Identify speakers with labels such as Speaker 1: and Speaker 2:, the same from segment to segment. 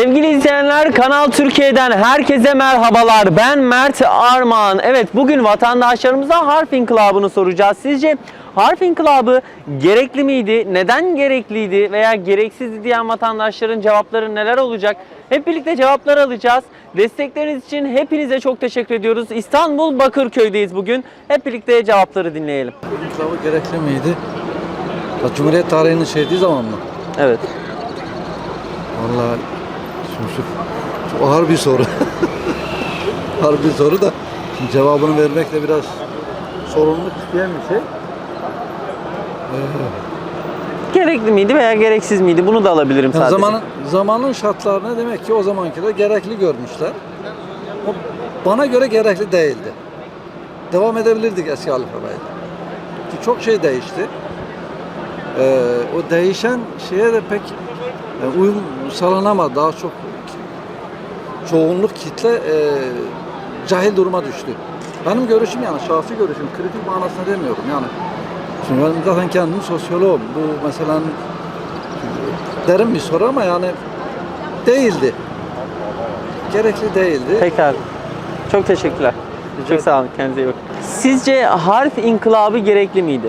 Speaker 1: Sevgili izleyenler, Kanal Türkiye'den herkese merhabalar. Ben Mert Armağan. Evet, bugün vatandaşlarımıza harf inkılabını soracağız. Sizce harf inkılabı gerekli miydi? Neden gerekliydi veya gereksizdi diyen vatandaşların cevapları neler olacak? Hep birlikte cevaplar alacağız. Destekleriniz için hepinize çok teşekkür ediyoruz. İstanbul Bakırköy'deyiz bugün. Hep birlikte cevapları dinleyelim.
Speaker 2: İnkılabı gerekli miydi? Cumhuriyet tarihinin şeydiği zaman mı?
Speaker 1: Evet.
Speaker 2: Vallahi şimdi çok ağır bir soru. Ağır bir soru da şimdi cevabını vermek de biraz sorumluluk isteyen bir şey.
Speaker 1: Gerekli miydi veya gereksiz miydi? Bunu da alabilirim
Speaker 2: Yani
Speaker 1: sadece.
Speaker 2: zamanın şartlarını demek ki o zamanki de gerekli görmüşler. O bana göre gerekli değildi. Devam edebilirdik eski alfabeyle. Ki çok şey değişti. O değişen şeye de pek uyum sağlanamadı. Daha çok çoğunluk kitle cahil duruma düştü. Benim görüşüm, yani şahsi görüşüm, kritik manasında demiyorum yani. Şimdi ben zaten kendim sosyoloğum. Bu mesela derin bir soru ama yani değildi. Gerekli değildi.
Speaker 1: Pekala. Çok teşekkürler. Çok sağ olun. Kendinize iyi bakın. Sizce harf inkılabı gerekli miydi?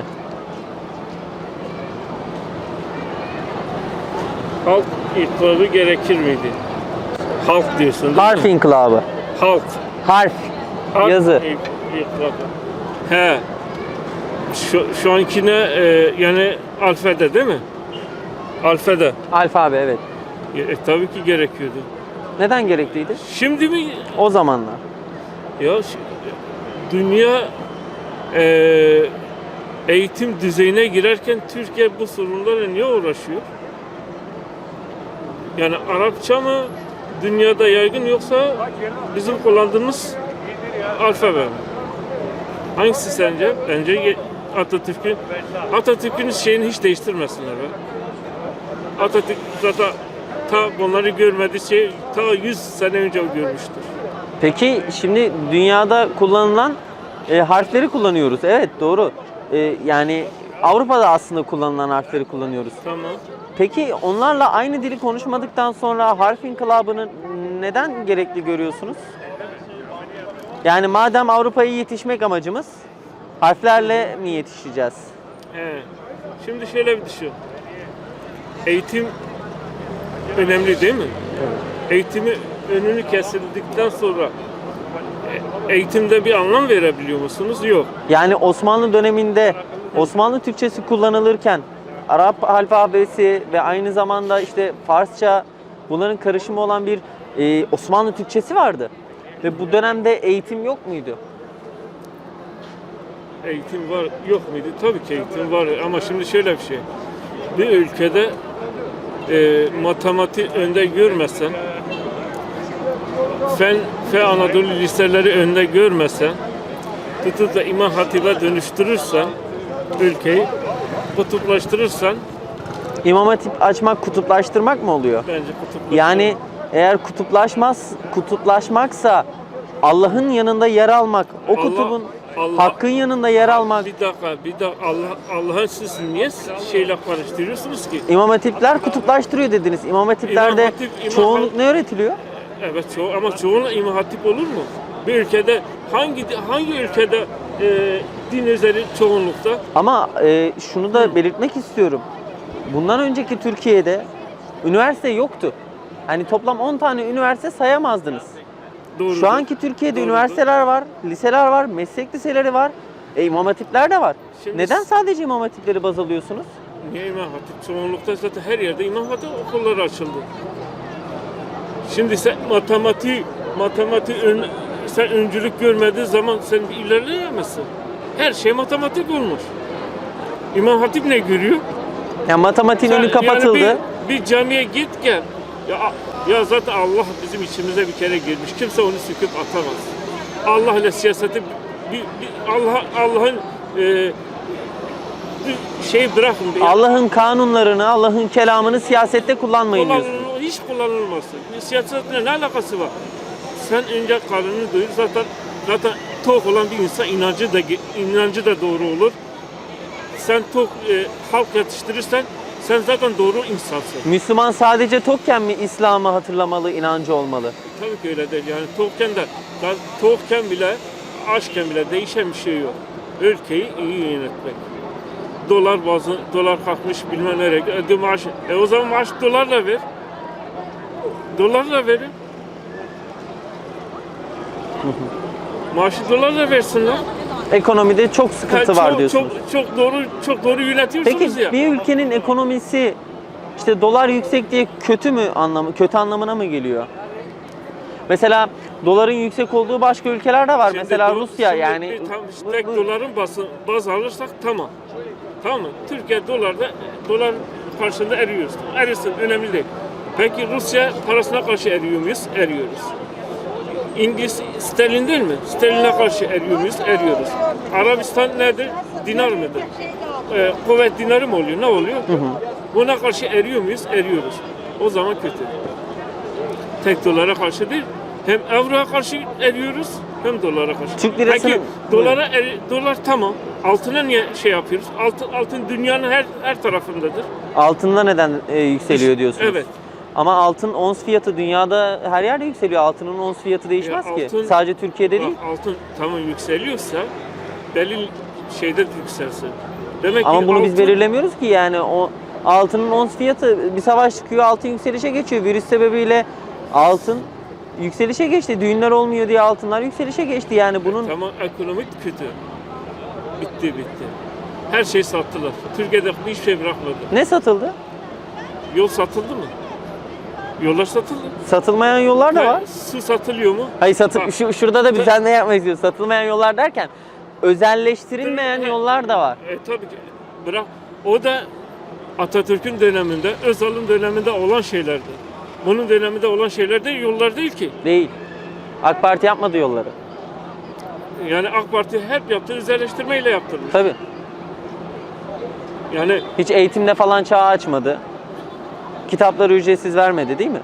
Speaker 3: Halk inkılabı gerekir miydi? Halk diyorsun değil
Speaker 1: Harf
Speaker 3: mi?
Speaker 1: inkılabı.
Speaker 3: Halk.
Speaker 1: Harf.
Speaker 3: Halk
Speaker 1: Yazı.
Speaker 3: inkılabı. He. Şu ankine yani alfabede değil mi? Alfabede.
Speaker 1: Alfabe, evet.
Speaker 3: Tabii ki gerekiyordu.
Speaker 1: Neden gerekliydi?
Speaker 3: Şimdi mi?
Speaker 1: O zamanlar.
Speaker 3: Ya dünya eğitim düzeyine girerken Türkiye bu sorunlarla niye uğraşıyor? Yani Arapça mı dünyada yaygın yoksa bizim kullandığımız alfabe mi? Hangisi sence? Bence Atatürk'ün şeyini hiç değiştirmesinler be. Atatürk zaten ta bunları görmediği şey ta 100 sene önce görmüştür.
Speaker 1: Peki şimdi dünyada kullanılan harfleri kullanıyoruz. Evet, doğru. Yani Avrupa'da aslında kullanılan harfleri kullanıyoruz.
Speaker 3: Tamam.
Speaker 1: Peki onlarla aynı dili konuşmadıktan sonra harf inkılabını neden gerekli görüyorsunuz? Yani madem Avrupa'ya yetişmek amacımız, harflerle mi yetişeceğiz?
Speaker 3: He. Şimdi şöyle bir düşün. Eğitim önemli değil mi?
Speaker 1: Evet.
Speaker 3: Eğitimi önünü kesildikten sonra eğitimde bir anlam verebiliyor musunuz? Yok.
Speaker 1: Yani Osmanlı döneminde Osmanlı Türkçesi kullanılırken Arap alfabesi ve aynı zamanda işte Farsça, bunların karışımı olan bir Osmanlı Türkçesi vardı. Ve bu dönemde eğitim yok muydu?
Speaker 3: Eğitim var, yok muydu? Tabii ki eğitim var ama şimdi şöyle bir şey. Bir ülkede matematik önde görmesen, fen ve Anadolu liseleri önde görmesen, tutup da İmam Hatip'e dönüştürürsen, ülkeyi kutuplaştırırsan,
Speaker 1: İmam Hatip açmak kutuplaştırmak mı oluyor?
Speaker 3: bence kutuplaştırır.
Speaker 1: Yani eğer kutuplaşmaksa Allah'ın yanında yer almak, o
Speaker 3: Allah-
Speaker 1: kutubun
Speaker 3: Allah-
Speaker 1: hakkın yanında yer almak.
Speaker 3: Bir dakika, Allah'ın siz niye şeyle karıştırıyorsunuz ki?
Speaker 1: İmam Hatipler kutuplaştırıyor dediniz. İmam Hatiplerde
Speaker 3: İmam Hatip,
Speaker 1: çoğunluk ne öğretiliyor?
Speaker 3: Evet, ama çoğunluğu İmam Hatip olur mu? Bir ülkede hangi ülkede din üzeri çoğunlukta?
Speaker 1: Ama şunu da belirtmek istiyorum. Bundan önceki Türkiye'de üniversite yoktu. Hani toplam 10 tane üniversite sayamazdınız.
Speaker 3: Doğrudur.
Speaker 1: Şu anki Türkiye'de
Speaker 3: Doğrudur.
Speaker 1: üniversiteler var, liseler var, meslek liseleri var. İmam Hatipler de var.
Speaker 3: Şimdi
Speaker 1: Neden sadece İmam Hatipleri baz alıyorsunuz?
Speaker 3: Niye İmam Hatip? Çoğunlukta zaten her yerde İmam Hatip okulları açıldı. Şimdi sen sen öncülük görmediğin zaman sen ilerleyemezsin. Her şey matematik olmuş. İmam Hatip ne görüyor?
Speaker 1: Yani matematiğin önü kapatıldı.
Speaker 3: Yani bir camiye git gel. Ya zaten Allah bizim içimize bir kere girmiş. Kimse onu söküp atamaz. Allah ile siyaseti Allah'ın şey bırakın.
Speaker 1: Allah'ın kanunlarını, Allah'ın kelamını siyasette kullanmayın diyorsunuz.
Speaker 3: Hiç kullanılmasın. Siyasetle ne alakası var? Sen önce karnını doyur, zaten tok olan bir insan inancı da doğru olur. Sen tok halk yetiştirirsen Sen zaten doğru insansın.
Speaker 1: Müslüman sadece tokken mi İslam'ı hatırlamalı, inancı olmalı?
Speaker 3: Tabii ki öyle değil. Yani tokken bile, açken bile değişen bir şey yok. Ülkeyi iyi yönetmek. Dolar kalkmış bilmem nereye. Maaş, o zaman maaş dolarla ver. Dolarla verin. Maaşı dolarla versinler.
Speaker 1: Ekonomide çok sıkıntı var diyorsunuz.
Speaker 3: Çok doğru yönetiyorsunuz
Speaker 1: Peki
Speaker 3: ya.
Speaker 1: bir ülkenin ekonomisi işte dolar yüksek diye kötü anlamına mı geliyor? Mesela doların yüksek olduğu başka ülkeler de var.
Speaker 3: Şimdi
Speaker 1: Mesela Rusya yani.
Speaker 3: tek doların baz alırsak tamam. Tamam mı? Türkiye dolar karşısında eriyoruz. Erisin önemli değil. Peki Rusya parasına karşı eriyor muyuz? Eriyoruz. İngiliz sterlin değil mi? Sterline karşı eriyor muyuz? Eriyoruz. Arabistan nedir? Dinar mıdır? Kuvvet dinarı mı oluyor? Ne oluyor? Buna karşı eriyor muyuz? Eriyoruz. O zaman kötü. Tek dolara karşı değil. Hem avroya karşı eriyoruz hem dolara karşı.
Speaker 1: Türk lirasını...
Speaker 3: Peki dolar tamam. Altına niye şey yapıyoruz? Altın dünyanın her tarafındadır.
Speaker 1: Altında neden yükseliyor diyorsunuz?
Speaker 3: Evet.
Speaker 1: Ama altın ons fiyatı dünyada her yerde yükseliyor. Altının ons fiyatı değişmez ki. Sadece Türkiye'de değil.
Speaker 3: Altın tamam yükseliyorsa belli şeyde yükselsin. Demek
Speaker 1: Ama
Speaker 3: ki
Speaker 1: bunu biz belirlemiyoruz ki yani o altının ons fiyatı bir savaş çıkıyor, altın yükselişe geçiyor. Virüs sebebiyle altın yükselişe geçti. Düğünler olmuyor diye altınlar yükselişe geçti. Yani bunun
Speaker 3: Tamam ekonomik kötü. Bitti. Her şey sattılar. Türkiye'de hiçbir şey bırakmadı.
Speaker 1: ne satıldı?
Speaker 3: Yol satıldı mı? Yollar satıldı.
Speaker 1: Satılmayan yollar da var.
Speaker 3: Su satılıyor mu?
Speaker 1: Hayır
Speaker 3: Bak.
Speaker 1: şurada da biz ne yapmak istiyoruz? Satılmayan yollar derken özelleştirilmeyen yollar da var.
Speaker 3: Tabii ki. Bırak. O da Atatürk'ün döneminde, Özal'ın döneminde olan şeylerdi. Bunun döneminde olan şeyler de yollar değil ki.
Speaker 1: Değil. AK Parti yapmadı yolları.
Speaker 3: Yani AK Parti hep yaptığı özelleştirmeyle yaptırmış.
Speaker 1: Tabii.
Speaker 3: Yani
Speaker 1: Hiç eğitimde falan çağ açmadı. Kitapları ücretsiz vermedi değil mi?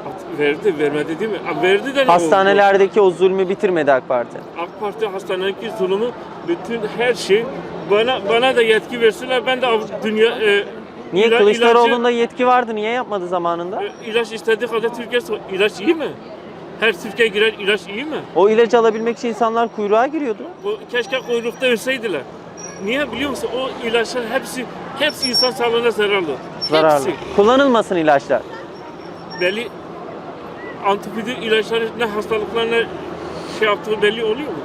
Speaker 3: vermedi değil mi? Verdi de ne oldu?
Speaker 1: Hastanelerdeki o zulmü bitirmedi AK Parti.
Speaker 3: AK Parti hastanedeki zulümü, bütün her şey bana da yetki versinler. Ben de dünya
Speaker 1: Niye Kılıçdaroğlu'nda yetki vardı? Niye yapmadı zamanında?
Speaker 3: ilaç istediği kadar Türkiye ilaç iyi mi? Her Türkiye giren ilaç iyi mi?
Speaker 1: O ilacı alabilmek için insanlar kuyruğa giriyordu.
Speaker 3: Keşke kuyrukta ölseydiler. Niye biliyor musun? O ilaçlar hepsi insan sağlığına zararlı.
Speaker 1: Zararlı.
Speaker 3: Hepsi.
Speaker 1: Kullanılmasın ilaçlar.
Speaker 3: Belli antibiyotik ilaçların ne hastalıklarına şey yaptığı belli oluyor mu?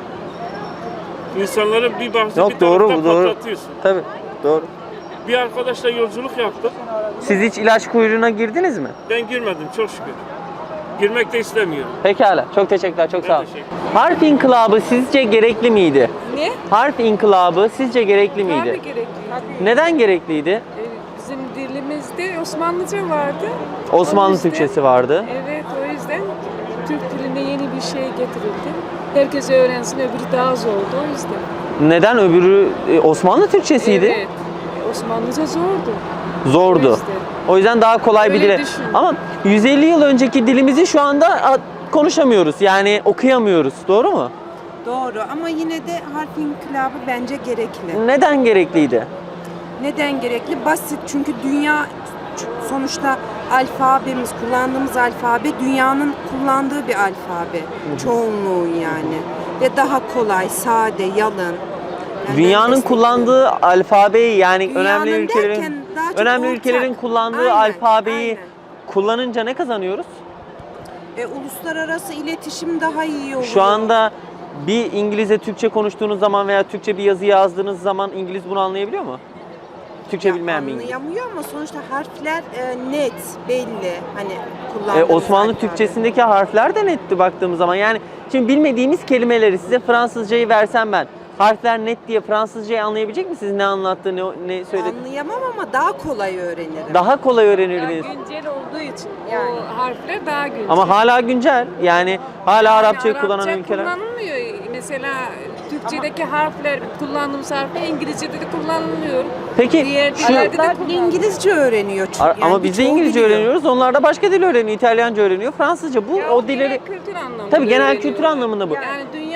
Speaker 3: İnsanların bir bahsi
Speaker 1: Yok
Speaker 3: bir
Speaker 1: doğru
Speaker 3: taraftan
Speaker 1: bu doğru.
Speaker 3: patlatıyorsun.
Speaker 1: Tabii doğru.
Speaker 3: Bir arkadaşla yolculuk yaptık.
Speaker 1: Siz hiç ilaç kuyruğuna girdiniz mi?
Speaker 3: Ben girmedim çok şükür. Girmek de istemiyorum.
Speaker 1: Pekala. Çok teşekkürler. Çok sağ olun.
Speaker 3: teşekkür
Speaker 1: Harf inkılabı sizce gerekli miydi?
Speaker 4: Ne?
Speaker 1: Harf inkılabı sizce gerekli miydi?
Speaker 4: Tabii gerekli.
Speaker 1: Neden gerekliydi?
Speaker 4: Bizim dilimizde Osmanlıca vardı.
Speaker 1: Osmanlı
Speaker 4: O yüzden-
Speaker 1: Türkçesi vardı.
Speaker 4: Evet, o yüzden Türk diline yeni bir şey getirildi. Herkes öğrensin, öbürü daha zor oldu o yüzden.
Speaker 1: Neden öbürü Osmanlı Türkçesiydi?
Speaker 4: Evet. Osmanlıca zordu.
Speaker 1: Zordu.
Speaker 4: O yüzden.
Speaker 1: O yüzden daha kolay bir
Speaker 4: Öyle
Speaker 1: dile.
Speaker 4: düşün.
Speaker 1: Ama 150 yıl önceki dilimizi şu anda konuşamıyoruz. Yani okuyamıyoruz. Doğru mu?
Speaker 5: Doğru ama yine de harf inkılabı bence gerekli.
Speaker 1: Neden gerekliydi?
Speaker 5: Neden gerekli? Basit çünkü dünya sonuçta alfabemiz, kullandığımız alfabe dünyanın kullandığı bir alfabe. Çoğunluğun yani. Ve daha kolay, sade, yalın. Yani
Speaker 1: Dünyanın
Speaker 5: ben
Speaker 1: kullandığı alfabeyi yani önemli
Speaker 5: Dünyanın derken
Speaker 1: ülkelerin
Speaker 5: daha çok
Speaker 1: önemli
Speaker 5: ortak.
Speaker 1: ülkelerin kullandığı
Speaker 5: Aynen,
Speaker 1: alfabeyi
Speaker 5: aynen.
Speaker 1: kullanınca ne kazanıyoruz?
Speaker 5: Uluslararası iletişim daha iyi oluyor.
Speaker 1: Şu anda bir İngilizce Türkçe konuştuğunuz zaman veya Türkçe bir yazı yazdığınız zaman İngiliz bunu anlayabiliyor mu? Türkçe
Speaker 5: Ya
Speaker 1: bilmeyen bir İngiliz.
Speaker 5: anlayamıyor ama sonuçta harfler net, belli. Hani kullandığımız
Speaker 1: Osmanlı
Speaker 5: alfabe.
Speaker 1: Türkçesindeki harfler de netti baktığımız zaman. Yani şimdi bilmediğimiz kelimeleri size Fransızcayı versem ben harfler net diye Fransızcayı anlayabilecek misiniz? Ne anlattı, ne söyledi?
Speaker 5: Anlayamam ama daha kolay öğrenirim.
Speaker 1: Daha kolay
Speaker 4: Daha
Speaker 1: öğrenirdiniz.
Speaker 4: güncel olduğu için
Speaker 5: Yani.
Speaker 4: o harfler daha güncel.
Speaker 1: Ama hala güncel. Yani hala
Speaker 4: Yani
Speaker 1: Arapçayı kullanan
Speaker 4: Arapça
Speaker 1: ülkeler.
Speaker 4: kullanılmıyor. Mesela Türkçedeki harfler, kullandığımız harfler İngilizce'de de kullanılmıyor.
Speaker 1: Peki
Speaker 4: Diğer
Speaker 1: şu
Speaker 4: dillerde de
Speaker 5: Araplar
Speaker 4: kullanılıyor.
Speaker 5: İngilizce öğreniyor çünkü.
Speaker 1: ama biz de
Speaker 5: birçoğu
Speaker 1: İngilizce
Speaker 5: biliyor.
Speaker 1: öğreniyoruz. Onlar da başka dil öğreniyor. İtalyanca öğreniyor, Fransızca. Bu
Speaker 4: Ya
Speaker 1: o dilleri
Speaker 4: genel kültür anlamında.
Speaker 1: tabii genel
Speaker 4: öğreniyorlar.
Speaker 1: kültür anlamında bu.
Speaker 4: Yani dünya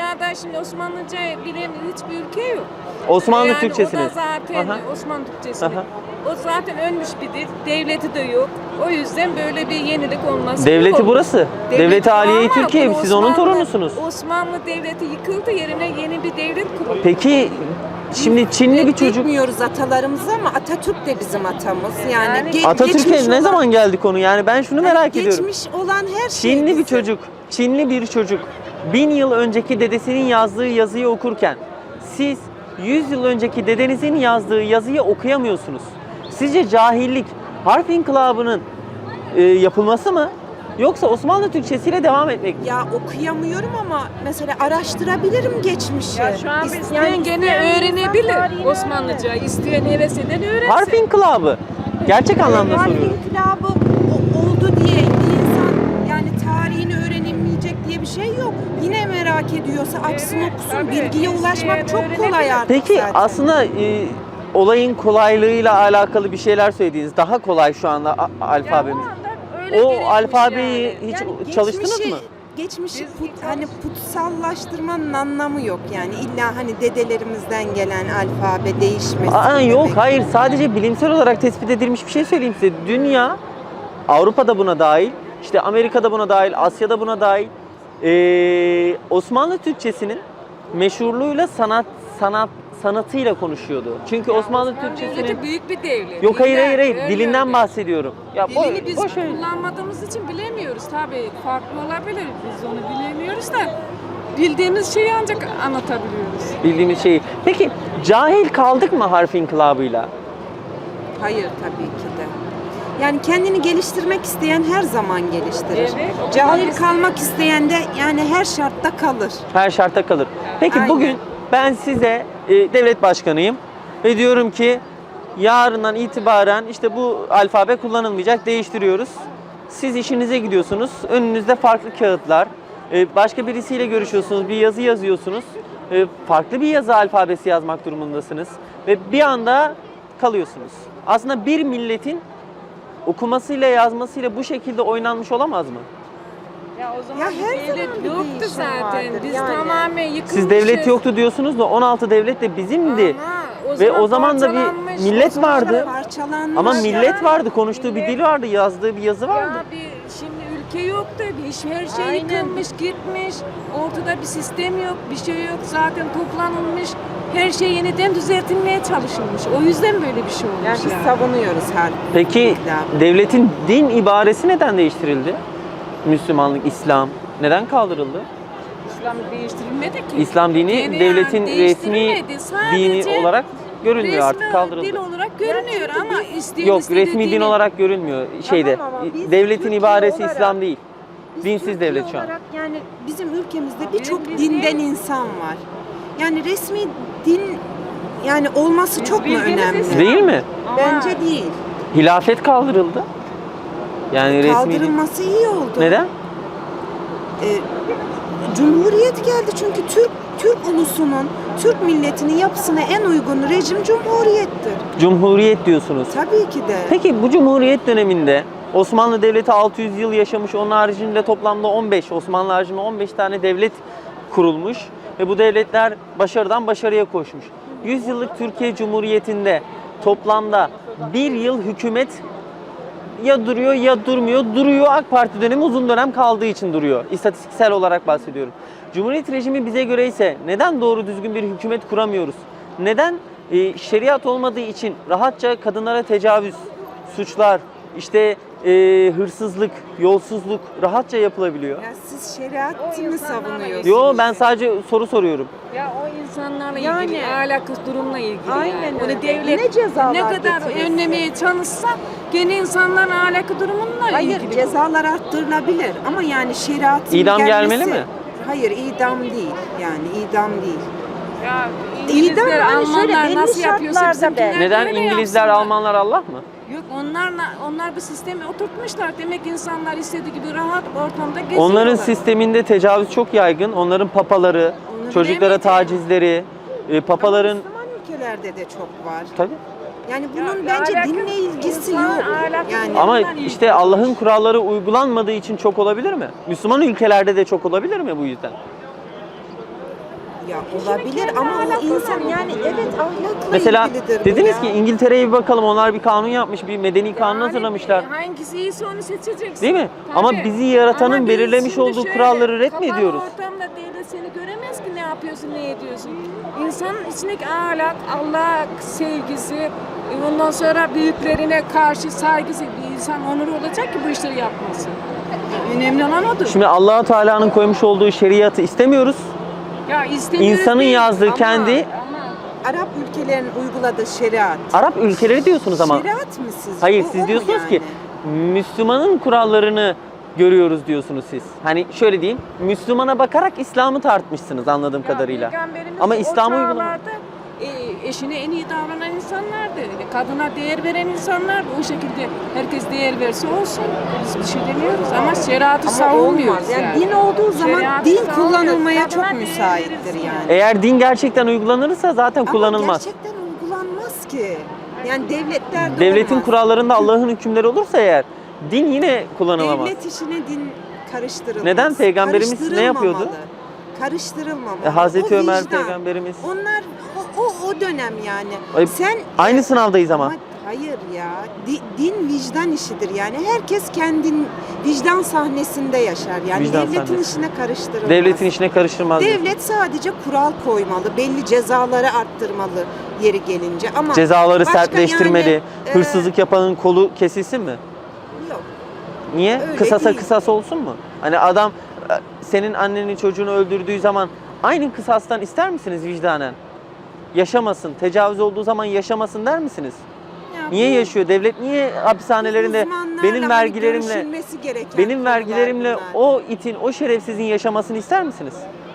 Speaker 4: dünyada şimdi Osmanlıca bilen hiçbir ülke yok.
Speaker 1: Osmanlı
Speaker 4: yani
Speaker 1: Türkçesini.
Speaker 4: O da zaten
Speaker 1: Aha.
Speaker 4: Osmanlı Türkçesini.
Speaker 1: Aha.
Speaker 4: O zaten ölmüş bir dil. Devleti de yok. O yüzden böyle bir yenilik olması
Speaker 1: Devleti
Speaker 4: yok.
Speaker 1: burası. Devleti Aliye-i
Speaker 4: ama
Speaker 1: Türkiye.
Speaker 4: bu
Speaker 1: Siz onun
Speaker 4: Osmanlı-
Speaker 1: torunusunuz.
Speaker 4: Osmanlı devleti yıkıldı, yerine yeni bir devlet kuruldu.
Speaker 1: Peki şimdi Çinli bir çocuk
Speaker 5: Bilmiyoruz atalarımızı ama Atatürk de bizim atamız. Yani,
Speaker 1: Atatürk'e
Speaker 5: geçmiş
Speaker 1: ne
Speaker 5: olan-
Speaker 1: zaman geldi konu? Yani ben şunu merak ediyorum.
Speaker 5: Geçmiş olan her şey
Speaker 1: Çinli bir
Speaker 5: bizim.
Speaker 1: çocuk, Çinli bir çocuk 1000 yıl önceki dedesinin yazdığı yazıyı okurken siz 100 yıl önceki dedenizin yazdığı yazıyı okuyamıyorsunuz. Sizce cahillik harf inkılabının yapılması mı? Yoksa Osmanlı Türkçesiyle devam etmek mi?
Speaker 5: Ya okuyamıyorum ama mesela araştırabilirim geçmişi.
Speaker 4: Ya şu an
Speaker 5: İsteyen
Speaker 4: isteyen gene öğrenebilir Osmanlıca. İsteyen heves eden öğrensin.
Speaker 1: Harf inkılabı. Gerçek anlamda
Speaker 5: Harf
Speaker 1: soruyorum.
Speaker 5: inkılabı oldu diye bir insan yani tarihini öğrenemeyecek diye bir şey yok. Yine merak ediyorsa açsın
Speaker 4: Evet,
Speaker 5: okusun.
Speaker 4: tabii.
Speaker 5: Bilgiye ulaşmak
Speaker 4: İsteyen
Speaker 5: çok kolay
Speaker 4: öğrenebilir.
Speaker 5: artık
Speaker 1: Peki
Speaker 5: zaten.
Speaker 1: aslında olayın kolaylığıyla alakalı bir şeyler söylediğiniz daha kolay şu anda alfabemiz. O alfabeyi hiç
Speaker 5: Yani
Speaker 1: çalıştınız mı?
Speaker 5: Geçmişi hani putsallaştırmanın anlamı yok yani illa hani dedelerimizden gelen alfabe değişmesi.
Speaker 1: Aa, yok
Speaker 5: demek.
Speaker 1: hayır, sadece bilimsel olarak tespit edilmiş bir şey söyleyeyim size. Dünya, Avrupa'da buna dahil, işte Amerika'da buna dahil, Asya'da buna dahil. Osmanlı Türkçesinin meşhurluğuyla sanatıyla konuşuyordu. Çünkü Osmanlı Türkçesinin
Speaker 4: devleti büyük bir devlet.
Speaker 1: yok hayır
Speaker 4: Diller,
Speaker 1: hayır hayır
Speaker 4: öyle
Speaker 1: dilinden
Speaker 4: öyle.
Speaker 1: bahsediyorum. Ya
Speaker 4: Dilini biz
Speaker 1: boş ver.
Speaker 4: kullanmadığımız için bilemiyoruz. Tabii farklı olabilir. Biz onu bilemiyoruz da bildiğimiz şeyi ancak anlatabiliyoruz.
Speaker 1: Bildiğimiz şeyi. Peki cahil kaldık mı harf inkılabıyla?
Speaker 5: Hayır tabii ki de. Yani kendini geliştirmek isteyen her zaman geliştirir.
Speaker 4: Evet, o
Speaker 5: Cahil
Speaker 4: zaman biz-
Speaker 5: kalmak isteyen de yani her şartta kalır.
Speaker 1: Her şartta kalır. Peki
Speaker 5: Aynen.
Speaker 1: bugün ben size devlet başkanıyım ve diyorum ki yarından itibaren işte bu alfabe kullanılmayacak, değiştiriyoruz. Siz işinize gidiyorsunuz. Önünüzde farklı kağıtlar. Başka birisiyle görüşüyorsunuz, bir yazı yazıyorsunuz. Farklı bir yazı alfabesi yazmak durumundasınız ve bir anda kalıyorsunuz. Aslında bir milletin okumasıyla yazmasıyla bu şekilde oynanmış olamaz mı?
Speaker 4: Ya o zaman
Speaker 5: Ya her
Speaker 4: bir
Speaker 5: zaman
Speaker 4: devlet
Speaker 5: bir
Speaker 4: yoktu
Speaker 5: değişim
Speaker 4: zaten.
Speaker 5: vardır
Speaker 4: Biz
Speaker 5: yani.
Speaker 4: tamamen yıkılmışız.
Speaker 1: Siz devlet yoktu diyorsunuz da 16 devlet de bizimdi.
Speaker 4: Ama
Speaker 1: Ve o zaman da bir
Speaker 4: parçalanmış,
Speaker 1: millet
Speaker 4: o zaman da
Speaker 1: vardı.
Speaker 5: Parçalanmış.
Speaker 1: Ama
Speaker 4: Ya,
Speaker 1: millet vardı, konuştuğu bir
Speaker 4: millet-
Speaker 1: dil vardı, yazdığı bir yazı vardı.
Speaker 4: Ya bir şimdi ülke yok da her şey
Speaker 5: Aynen.
Speaker 4: yıkılmış, gitmiş. Ortada bir sistem yok, bir şey yok. Zaten toplanılmış. Her şey yeniden düzeltilmeye çalışılmış. O yüzden böyle bir şey olmuş.
Speaker 5: Yani biz
Speaker 4: yani.
Speaker 5: savunuyoruz her.
Speaker 1: Peki
Speaker 5: İnkılabı.
Speaker 1: devletin din ibaresi neden değiştirildi? Müslümanlık, İslam neden kaldırıldı?
Speaker 4: İslam değiştirilmedi ki.
Speaker 1: İslam dini
Speaker 4: Yani
Speaker 1: devletin resmi
Speaker 4: değiştirilmedi.
Speaker 1: dini
Speaker 4: Sadece
Speaker 1: olarak görünmüyor,
Speaker 4: resmi
Speaker 1: artık kaldırıldı.
Speaker 4: dil olarak görünüyor ama isteyen
Speaker 1: Yok,
Speaker 4: istediği
Speaker 1: resmi din
Speaker 4: dini-
Speaker 1: olarak görünmüyor şeyde.
Speaker 5: Tamam ama biz
Speaker 1: Devletin
Speaker 5: Türkiye
Speaker 1: ibaresi
Speaker 5: olarak-
Speaker 1: İslam değil.
Speaker 5: Biz
Speaker 1: Dinsiz
Speaker 5: Türkiye
Speaker 1: devlet şu an.
Speaker 5: olarak yani bizim ülkemizde
Speaker 4: Ama
Speaker 5: birçok
Speaker 4: biz
Speaker 5: dinden
Speaker 4: değil.
Speaker 5: insan var. Yani resmi din yani olması
Speaker 4: Biz
Speaker 5: çok mu
Speaker 4: bildiğimiz
Speaker 5: önemli?
Speaker 4: İslam.
Speaker 1: Değil mi?
Speaker 4: Ama
Speaker 5: Bence değil.
Speaker 1: Hilafet kaldırıldı. Yani resmi din.
Speaker 5: Kaldırılması iyi oldu.
Speaker 1: Neden?
Speaker 5: Cumhuriyet geldi çünkü Türk ulusunun, Türk milletinin yapısına en uygun rejim cumhuriyettir.
Speaker 1: Cumhuriyet diyorsunuz.
Speaker 5: Tabii ki de.
Speaker 1: Peki bu Cumhuriyet döneminde Osmanlı Devleti 600 yıl yaşamış, onun haricinde toplamda 15, Osmanlı haricinde 15 tane devlet kurulmuş ve bu devletler başarıdan başarıya koşmuş. 100 yıllık Türkiye Cumhuriyeti'nde toplamda bir yıl hükümet ya duruyor ya durmuyor. Duruyor, AK Parti dönemi uzun dönem kaldığı için duruyor. İstatistiksel olarak bahsediyorum. Cumhuriyet rejimi bize göre ise neden doğru düzgün bir hükümet kuramıyoruz? Neden şeriat olmadığı için rahatça kadınlara tecavüz, suçlar, işte hırsızlık, yolsuzluk rahatça yapılabiliyor?
Speaker 5: Ya siz şeriatı mı savunuyorsunuz?
Speaker 1: Yo, ben sadece soru soruyorum.
Speaker 4: Ya o insanlarla
Speaker 5: Yani-
Speaker 4: ilgili, ahlakı durumla ilgili
Speaker 5: Aynen
Speaker 4: yani.
Speaker 5: öyle.
Speaker 4: Onu devlet
Speaker 5: Ne cezalar
Speaker 4: ne kadar
Speaker 5: getirirse.
Speaker 4: önlemeye çalışsa gene insanların ahlakı durumunla
Speaker 5: Hayır,
Speaker 4: ilgili.
Speaker 5: cezalar arttırılabilir ama yani şeriatın
Speaker 1: İdam
Speaker 5: gelmesi...
Speaker 1: gelmeli mi?
Speaker 5: Hayır, idam değil. Yani idam değil.
Speaker 4: Ya
Speaker 5: İdam
Speaker 4: İngilizler,
Speaker 5: hani şöyle
Speaker 4: Almanlar
Speaker 5: belli
Speaker 4: nasıl yapıyorsa
Speaker 5: şartlarda
Speaker 4: bizimkiler de
Speaker 1: Neden
Speaker 4: öyle
Speaker 1: İngilizler,
Speaker 4: yapsınlar.
Speaker 1: Almanlar Allah mı?
Speaker 4: Yok, onlar bu sistemi oturtmuşlar. Demek insanlar istediği gibi rahat ortamda geziyorlar.
Speaker 1: Onların sisteminde tecavüz çok yaygın. Onların papaları,
Speaker 5: Onu
Speaker 1: çocuklara
Speaker 4: bilemeyeceğim.
Speaker 1: tacizleri, papaların...
Speaker 5: Müslüman ülkelerde de çok var.
Speaker 1: Tabii.
Speaker 5: Yani
Speaker 4: Ya
Speaker 5: bunun
Speaker 4: bir
Speaker 5: bence
Speaker 4: alakası-
Speaker 5: dinle ilgisi
Speaker 4: insan
Speaker 5: yok.
Speaker 4: alakası
Speaker 5: Yani
Speaker 4: yok.
Speaker 1: Ama
Speaker 4: Ondan
Speaker 1: işte
Speaker 4: ilgili.
Speaker 1: Allah'ın kuralları uygulanmadığı için çok olabilir mi? Müslüman ülkelerde de çok olabilir mi bu yüzden?
Speaker 5: Ya olabilir ama o insan yani evet ahlakla
Speaker 1: Mesela
Speaker 5: ilgilidir bu
Speaker 1: dediniz
Speaker 5: ya.
Speaker 1: ki İngiltere'ye bir bakalım, onlar bir kanun yapmış, bir medeni kanun hazırlamışlar.
Speaker 4: Hangisi iyiyse onu seçeceksin.
Speaker 1: Değil mi?
Speaker 4: Tabii.
Speaker 1: Ama bizi yaratanın
Speaker 4: Ama biz
Speaker 1: belirlemiş
Speaker 4: şimdi
Speaker 1: olduğu
Speaker 4: şöyle,
Speaker 1: kuralları ret mi
Speaker 4: kapalı
Speaker 1: ediyoruz?
Speaker 4: ortamda devlet seni göremez ki ne yapıyorsun, ne ediyorsun. İnsanın içindeki ahlak, Allah sevgisi, ondan sonra büyüklerine karşı saygısı, bir insan onuru olacak ki bu işleri yapmasın. Önemli olan odur.
Speaker 1: Şimdi Allah-u Teala'nın koymuş olduğu şeriatı istemiyoruz.
Speaker 4: Ya istemiyoruz
Speaker 1: İnsanın
Speaker 4: değil,
Speaker 1: yazdığı
Speaker 4: ama-
Speaker 1: kendi
Speaker 5: Arap ülkelerinin uyguladığı şeriat.
Speaker 1: Arap ülkeleri diyorsunuz ama.
Speaker 5: Şeriat mı sizce?
Speaker 1: Hayır,
Speaker 5: O
Speaker 1: siz
Speaker 5: mu
Speaker 1: diyorsunuz
Speaker 5: yani?
Speaker 1: ki Müslümanın kurallarını görüyoruz diyorsunuz siz. Hani şöyle diyeyim, Müslümana bakarak İslam'ı tartmışsınız anladığım
Speaker 4: Ya
Speaker 1: kadarıyla.
Speaker 4: Peygamberimiz
Speaker 1: Ama
Speaker 4: o
Speaker 1: İslam'ı uygulamak.
Speaker 4: çağlarda, eşine en iyi davranan insanlardı. Kadına değer veren insanlardı. O şekilde herkes değer verse olsun. Biz bir şey demiyoruz ama şeriatı
Speaker 5: Ama
Speaker 4: savunmuyoruz
Speaker 5: olmaz. Yani din olduğu zaman
Speaker 4: Şeriatı
Speaker 5: din
Speaker 4: savunmuyoruz.
Speaker 5: kullanılmaya
Speaker 4: Kadına
Speaker 5: çok
Speaker 4: değer
Speaker 5: müsaittir
Speaker 4: verirsin
Speaker 5: yani.
Speaker 1: Eğer din gerçekten uygulanırsa zaten kullanılmaz.
Speaker 5: Ama gerçekten uygulanmaz ki. Yani devletler de
Speaker 1: Devletin
Speaker 5: olmaz.
Speaker 1: kurallarında Allah'ın hükümleri olursa eğer din yine kullanılamaz.
Speaker 5: Devlet işine din karıştırılmaz.
Speaker 1: Neden? Peygamberimiz ne yapıyordu?
Speaker 5: Karıştırılmamalı.
Speaker 1: Hazreti
Speaker 5: O
Speaker 1: Ömer
Speaker 5: vicdan.
Speaker 1: peygamberimiz.
Speaker 5: Onlar o dönem yani.
Speaker 1: Ay,
Speaker 5: Sen
Speaker 1: Aynı sınavdayız ama.
Speaker 5: hayır ya. Din vicdan işidir yani. Herkes kendin vicdan sahnesinde yaşar. Yani
Speaker 1: Vicdan
Speaker 5: devletin
Speaker 1: sahnesi.
Speaker 5: işine karıştırılmaz.
Speaker 1: Devletin işine karıştırmaz. diyorsun.
Speaker 5: Devlet sadece kural koymalı, belli cezaları arttırmalı yeri gelince ama
Speaker 1: Cezaları
Speaker 5: başka
Speaker 1: sertleştirmeli.
Speaker 5: yani,
Speaker 1: Hırsızlık yapanın kolu kesilsin mi?
Speaker 5: yok.
Speaker 1: Niye?
Speaker 5: Öyle
Speaker 1: Kısasa
Speaker 5: değil.
Speaker 1: kısas olsun mu? Hani adam senin anneni çocuğunu öldürdüğü zaman aynı kısastan ister misiniz vicdanen? Yaşamasın, tecavüz olduğu zaman yaşamasın der misiniz?
Speaker 5: Ya
Speaker 1: Niye
Speaker 5: bu
Speaker 1: yaşıyor? Devlet niye hapishanelerinde
Speaker 5: uzmanlarla
Speaker 1: benim
Speaker 5: hani
Speaker 1: vergilerimle
Speaker 5: görüşülmesi gereken
Speaker 1: benim
Speaker 5: konular
Speaker 1: vergilerimle
Speaker 5: bunlar.
Speaker 1: o itin, o şerefsizin yaşamasını ister misiniz?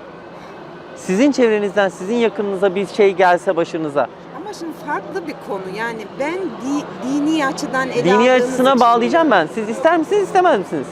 Speaker 1: Sizin çevrenizden, sizin yakınınıza bir şey gelse başınıza,
Speaker 5: Ama şimdi farklı bir konu yani ben dini açıdan ele
Speaker 1: dini
Speaker 5: aldığımız
Speaker 1: açısına
Speaker 5: için-
Speaker 1: bağlayacağım ben. Siz ister misiniz, istemez misiniz?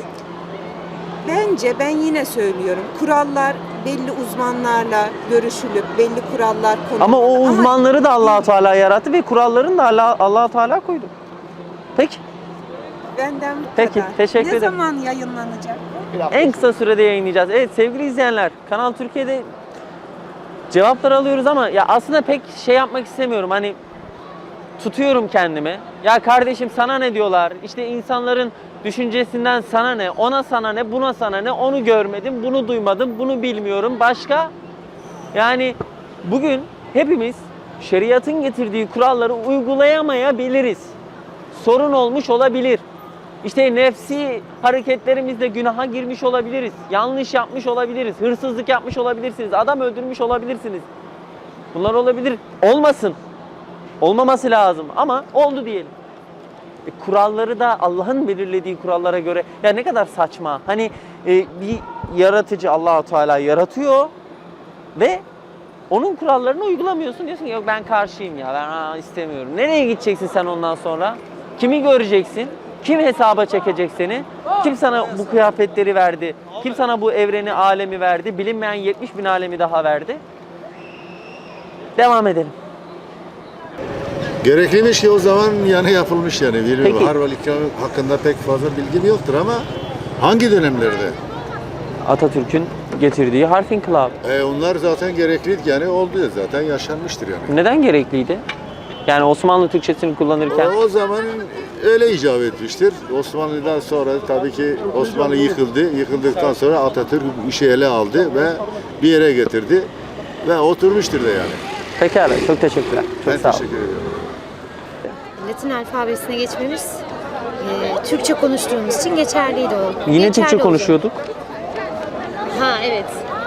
Speaker 5: Bence ben yine söylüyorum kurallar belli uzmanlarla görüşülüp belli kurallar konulmalı.
Speaker 1: Ama o uzmanları da Allah-u Teala yarattı ve kurallarını da Allah-u Teala koydu. Peki.
Speaker 5: Benden bu
Speaker 1: Peki,
Speaker 5: kadar.
Speaker 1: teşekkür
Speaker 5: ne
Speaker 1: ederim.
Speaker 5: zaman yayınlanacak?
Speaker 1: En kısa sürede yayınlayacağız. Evet sevgili izleyenler, Kanal Türkiye'de cevaplar alıyoruz ama ya aslında pek şey yapmak istemiyorum. Hani tutuyorum kendimi. Ya kardeşim sana ne diyorlar? İşte insanların düşüncesinden sana ne? Ona sana ne? Buna sana ne? Onu görmedim, bunu duymadım, bunu bilmiyorum. Başka? Yani bugün hepimiz şeriatın getirdiği kuralları uygulayamayabiliriz. Sorun olmuş olabilir. İşte nefsi hareketlerimizle günaha girmiş olabiliriz. Yanlış yapmış olabiliriz. Hırsızlık yapmış olabilirsiniz. Adam öldürmüş olabilirsiniz. Bunlar olabilir. Olmasın. Olmaması lazım ama oldu diyelim. Kuralları da Allah'ın belirlediği kurallara göre ya ne kadar saçma. Hani bir yaratıcı Allah-u Teala yaratıyor ve onun kurallarını uygulamıyorsun. Diyorsun ki yok ben karşıyım ya ben istemiyorum. Nereye gideceksin sen ondan sonra? Kimi göreceksin? Kim hesaba çekecek seni? Kim sana bu kıyafetleri verdi? Kim sana bu evreni, alemi verdi? Bilinmeyen 70 bin alemi daha verdi. Devam edelim.
Speaker 6: Gerekliymiş ki o zaman yani yapılmış yani. Bilmiyorum.
Speaker 1: Peki.
Speaker 6: Harval ikramı hakkında pek fazla bilgim yoktur ama hangi dönemlerde?
Speaker 1: Atatürk'ün getirdiği harf inkılabı.
Speaker 6: Onlar zaten gerekliydi yani oldu ya zaten yaşanmıştır yani.
Speaker 1: Neden gerekliydi? Yani Osmanlı Türkçesini kullanırken
Speaker 6: O zaman öyle icap etmiştir. Osmanlı'dan sonra tabii ki Osmanlı yıkıldı. Yıkıldıktan sonra Atatürk bu işi ele aldı ve bir yere getirdi ve oturmuştur da yani.
Speaker 1: pekala çok teşekkürler. Çok
Speaker 6: Ben
Speaker 1: sağ olun.
Speaker 6: teşekkür ediyorum.
Speaker 7: Latin alfabesine geçmemiz Türkçe konuştuğumuz için geçerliydi o.
Speaker 1: Yine
Speaker 7: Geçerli
Speaker 1: Türkçe
Speaker 7: oldu.
Speaker 1: konuşuyorduk.
Speaker 7: Ha evet.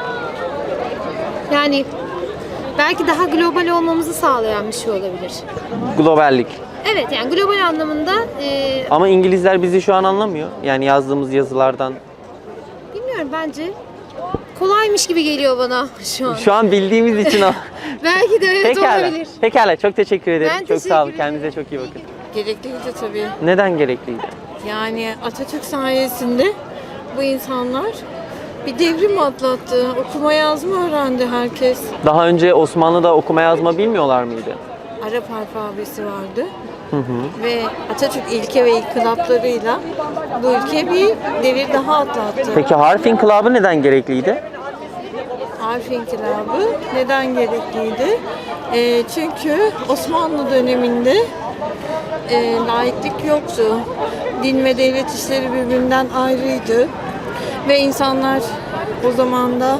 Speaker 7: Yani belki daha global olmamızı sağlayan bir şey olabilir.
Speaker 1: Globallik.
Speaker 7: Evet yani global anlamında
Speaker 1: Ama İngilizler bizi şu an anlamıyor. Yani yazdığımız yazılardan.
Speaker 7: bilmiyorum bence kolaymış gibi geliyor bana şu an.
Speaker 1: Şu an bildiğimiz için
Speaker 7: Belki de evet
Speaker 1: Pekala.
Speaker 7: olabilir.
Speaker 1: Pekala çok teşekkür ederim.
Speaker 7: Ben
Speaker 1: çok
Speaker 7: teşekkür
Speaker 1: sağ olun.
Speaker 7: ederim.
Speaker 1: Kendinize çok iyi bakın.
Speaker 8: Gerekliydi tabii.
Speaker 1: Neden gerekliydi?
Speaker 8: Yani Atatürk sayesinde bu insanlar bir devrim atlattı. Okuma yazma öğrendi herkes.
Speaker 1: Daha önce Osmanlı'da okuma yazma bilmiyorlar mıydı?
Speaker 8: Arap alfabesi vardı. Ve Atatürk ilke ve inkılaplarıyla bu ülke bir devir daha atlattı.
Speaker 1: Peki harf inkılabı neden gerekliydi?
Speaker 8: harf inkılabı neden gerekliydi? Çünkü Osmanlı döneminde laiklik yoktu. Din ve devlet işleri birbirinden ayrıydı. Ve insanlar o zaman da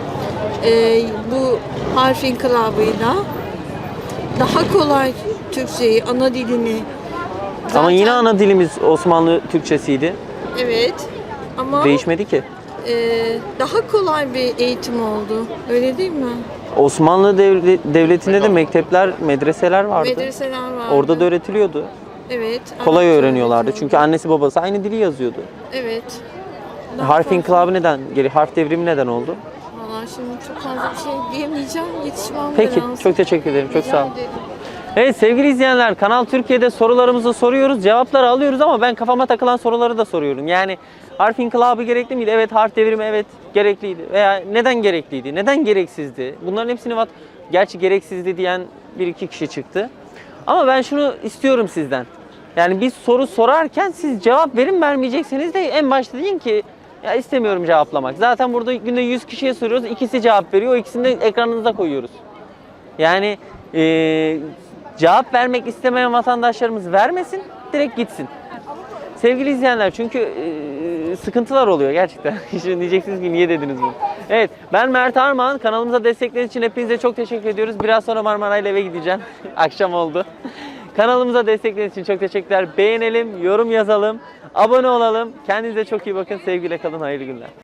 Speaker 8: bu harf inkılabıyla daha kolay Türkçeyi, ana dilini
Speaker 1: Ama yine
Speaker 8: zaten-
Speaker 1: ana dilimiz Osmanlı Türkçesiydi.
Speaker 8: Evet ama
Speaker 1: Değişmedi ki.
Speaker 8: daha kolay bir eğitim oldu. Öyle değil mi?
Speaker 1: Osmanlı devletinde de mektepler, medreseler vardı.
Speaker 8: Medreseler vardı.
Speaker 1: Orada da öğretiliyordu.
Speaker 8: Evet.
Speaker 1: Kolay
Speaker 8: Arapça
Speaker 1: öğreniyorlardı.
Speaker 8: öğretiyordu.
Speaker 1: Çünkü annesi babası aynı dili yazıyordu.
Speaker 8: Evet. Daha
Speaker 1: Harf
Speaker 8: farklı.
Speaker 1: inkılabı neden? Harf devrimi neden oldu?
Speaker 8: Vallahi şimdi çok fazla bir şey diyemeyeceğim. Yetişmem
Speaker 1: Peki,
Speaker 8: lazım.
Speaker 1: çok teşekkür ederim. Çok
Speaker 8: Rica
Speaker 1: sağ olun.
Speaker 8: ederim.
Speaker 1: Evet sevgili izleyenler, Kanal Türkiye'de sorularımızı soruyoruz, cevapları alıyoruz ama ben kafama takılan soruları da soruyorum. Yani harf inkılabı gerekli miydi? Evet. Harf devrimi evet gerekliydi. Veya neden gerekliydi? Neden gereksizdi? Bunların hepsini gerçi gereksizdi diyen bir iki kişi çıktı. Ama ben şunu istiyorum sizden. Yani bir soru sorarken siz cevap verin, vermeyecekseniz de en başta deyin ki ya istemiyorum cevaplamak. Zaten burada günde 100 kişiye soruyoruz, ikisi cevap veriyor, o ikisini de ekranınıza koyuyoruz. Yani cevap vermek istemeyen vatandaşlarımız vermesin, direkt gitsin. Sevgili izleyenler, çünkü sıkıntılar oluyor gerçekten. Şimdi diyeceksiniz ki niye dediniz bunu? Evet, ben Mert Armağan. Kanalımıza destekleriniz için hepinize çok teşekkür ediyoruz. Biraz sonra Marmara ile eve gideceğim. Akşam oldu. Kanalımıza destekleriniz için çok teşekkürler. Beğenelim, yorum yazalım, abone olalım. Kendinize çok iyi bakın. Sevgiyle kalın, hayırlı günler.